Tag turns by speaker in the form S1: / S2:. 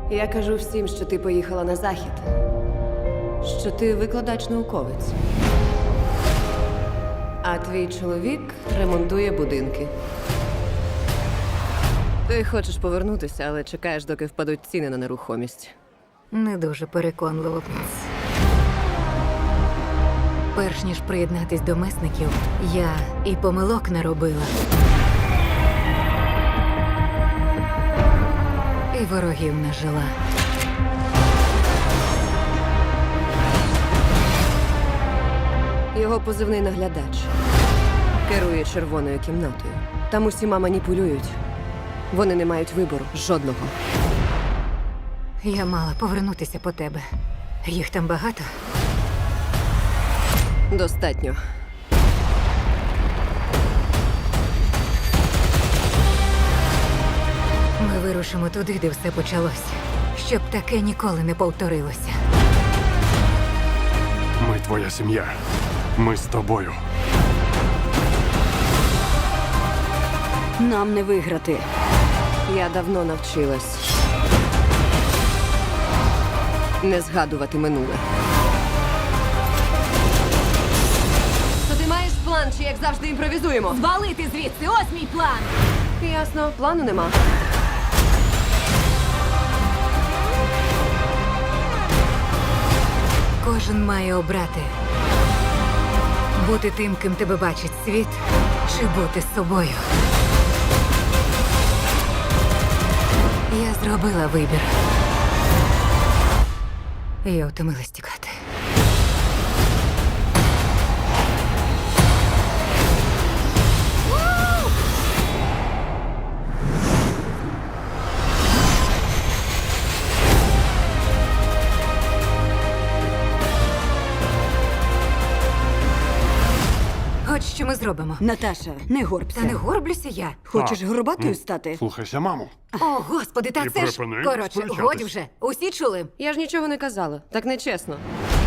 S1: Я кажу всім, що ти поїхала на захід. Що ти викладач-науковець. А твій чоловік ремонтує будинки. Ти хочеш повернутися, але чекаєш, доки впадуть ціни на нерухомість.
S2: Не дуже переконливо, принц. Перш ніж приєднатись до месників, я і помилок не робила. І ворогів не жила.
S1: Його позивний наглядач. Керує червоною кімнатою. Там усіма маніпулюють. Вони не мають вибору. Жодного.
S2: Я мала повернутися по тебе. Їх там багато.
S1: Достатньо.
S2: Ми вирушимо туди, де все почалося. Щоб таке ніколи не повторилося.
S3: Ми твоя сім'я. Ми з тобою.
S1: Нам не виграти. Я давно навчилась. Не згадувати минуле. То ти маєш план, чи як завжди імпровізуємо?
S2: Звалити звідси! Ось мій план!
S1: Ясно, плану нема.
S2: Кожен має обрати. Бути тим, ким тебе бачить світ, чи бути собою. Я зробила вибір. Я втомилась тікати. От що ми зробимо.
S4: Наташа, не горбся.
S2: Та не горблюся я.
S4: Хочеш горбатою стати?
S3: Слухайся, маму.
S2: О, господи, та
S3: І
S2: це ж...
S3: припини
S2: Коротше,
S3: сперечатись.
S2: годі вже. Усі чули?
S1: Я ж нічого не казала. Так нечесно.